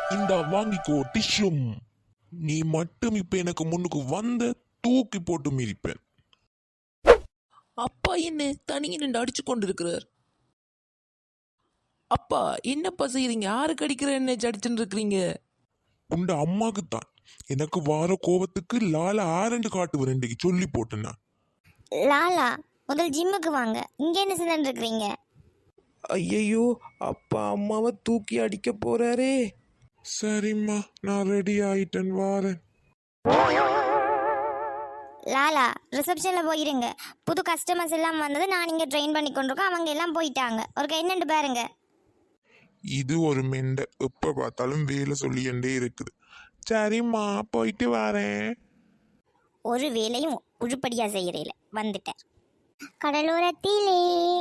இந்த வாங்கிக்கோ டிஷ்யூம். நீ மட்டும் இப்ப எனக்கு முன்னுக்கு வந்த தூக்கி போட்டு மிதிப்பேன். அப்பா என்ன தனியே நின்று அடிச்சு கொண்டு இருக்கிறார். அப்பா என்னப்பா செய்யறீங்க? யாருக்கு அடிக்கிற என்ன அடிச்சுட்டு இருக்கிறீங்க? உண்ட அம்மாக்கு தான். எனக்கு வார கோபத்துக்கு லால ஆரண்டு காட்டு ரெண்டுக்கு சொல்லி போட்டேன்னா. லாலா முதல் ஜிம்முக்கு வாங்க. இங்க என்ன செஞ்சுட்டு இருக்கிறீங்க? ஐயையோ, அப்பா அம்மாவை தூக்கி அடிக்க போறாரே. சரிம்மா, நான் ரெடி ஆயிட்டேன், வாரேன். லாலா ரிசப்ஷன்ல போயிருங்க. புது கஸ்டமர்ஸ் எல்லாம் வந்தது, நான் இங்க ட்ரெயின் பண்ணி கொண்டிருக்கோம். அவங்க எல்லாம் போயிட்டாங்க. ஒரு என்னண்டு பாருங்க. இது ஒரு மெண்டை எப்ப பார்த்தாலும் வேலை சொல்லிண்டே இருக்குது. சரிம்மா, போயிட்டு வரேன். ஒரு வேலையும் உருப்படியா செய்யறேல வந்துட்டேன். கடலோரத்திலே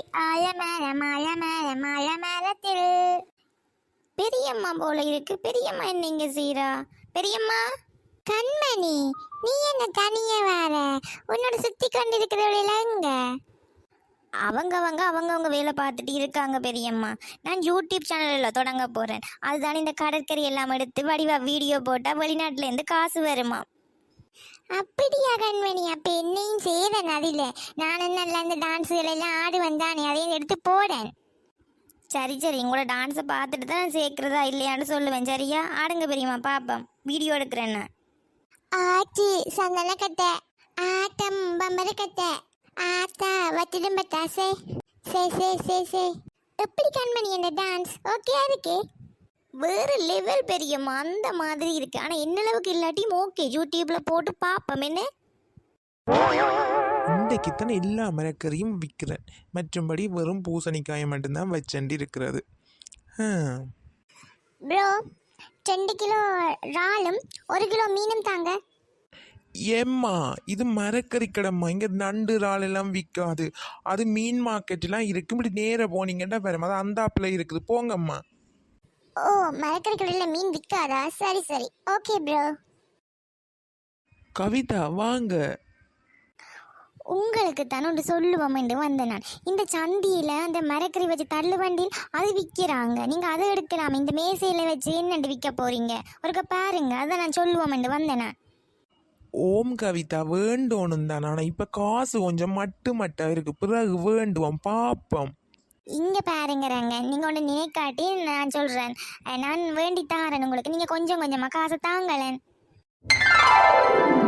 ஆழமரத்தில் பெரியம்மா போல இருக்கு. பெரியம்மா என்ன இங்க செய்யறா? பெரியம்மா கண்மணி, நீ என்ன தனியே வர? உன்னோட சுத்தி கொண்டு இருக்கிறவள எங்க? அவங்கவங்க வேலை பார்த்துட்டு இருக்காங்க பெரியம்மா. நான் யூடியூப் சேனலில் தொடங்க போறேன். அதுதான் இந்த கடற்கரை எல்லாம் எடுத்து வடிவா வீடியோ போட்டால் வெளிநாட்டுல இருந்து காசு வருமா. அப்படியா கண்மணி? அப்ப என்னையும் செய்தேன். அதில் நான் நல்ல அந்த டான்ஸுகள் எல்லாம் ஆடு வந்தானே, அதையும் எடுத்து போடேன். சரி சரி, உங்களோட டான்ஸை பார்த்துட்டு தான் சேர்க்கிறதா இல்லையான்னு சொல்லுவேன். சரியா? ஆடுங்க பெரியம்மா, பாப்போம். வீடியோ எடுக்கிறேன்னு. ஆச்சி சந்தன கட்டை, ஆட்டம் பம்பர கட்டை, ஆத்தா வட்டிடும் பட்டாசே, சே எப்படி கண்மணி இந்த டான்ஸ்? ஓகே இருக்கு. வேற லெவல் பெரியம்மா, அந்த மாதிரி இருக்கு. ஆனா என்ன அளவுக்கு இல்லாட்டியும் ஓகே, யூடியூப்ல போட்டு பாப்போம். என்ன இன்றைக்கு தானே எல்லா மரக்கறியும் விற்கிறேன். மற்றும்படி வெறும் பூசணிக்காயை மட்டும்தான் வச்சண்டி இருக்கிறது. ப்ரோ 2 கிலோ இறாலும் 1 கிலோ மீனும் தாங்க. ஏம்மா, இது மரக்கறி கடைம்மா. இங்கே நண்டு இறால் எல்லாம் விற்காது. அது மீன் மார்க்கெட்லாம் இருக்கு. இப்படி நேராக போனீங்கன்னா வேறு அது அந்தாப்பில் இருக்குது. போங்கம்மா. ஓ, மரக்கறி கடையில் மீன் விற்காதா? சரி சரி, ஓகே ப்ரோ. கவிதா வாங்க. உங்களுக்கு தானே ஒன்று சொல்லுவோம் என்று வந்தேன் நான். இந்த சந்தியில் அந்த மரக்கறி வச்சு தள்ளு வண்டியில் அது விற்கிறாங்க. நீங்கள் அதை எடுக்கலாம். இந்த மேசையில் வச்சு என்னண்டு விற்க போறீங்க? ஒருக்க பாருங்க. அதை நான் சொல்லுவோம் என்று வந்தேன் நான். ஓம் கவிதா, வேண்டோணும் தான். ஆனால் இப்போ காசு கொஞ்சம் மட்டும் இருக்கு. பிறகு வேண்டுவோம், பாப்போம். இங்கே பாருங்கிறாங்க. நீங்கள் ஒன்று நினைக்காட்டி நான் சொல்கிறேன். நான் வேண்டி தாரேன் உங்களுக்கு. நீங்கள் கொஞ்சம் கொஞ்சமாக காசை தாங்களேன்.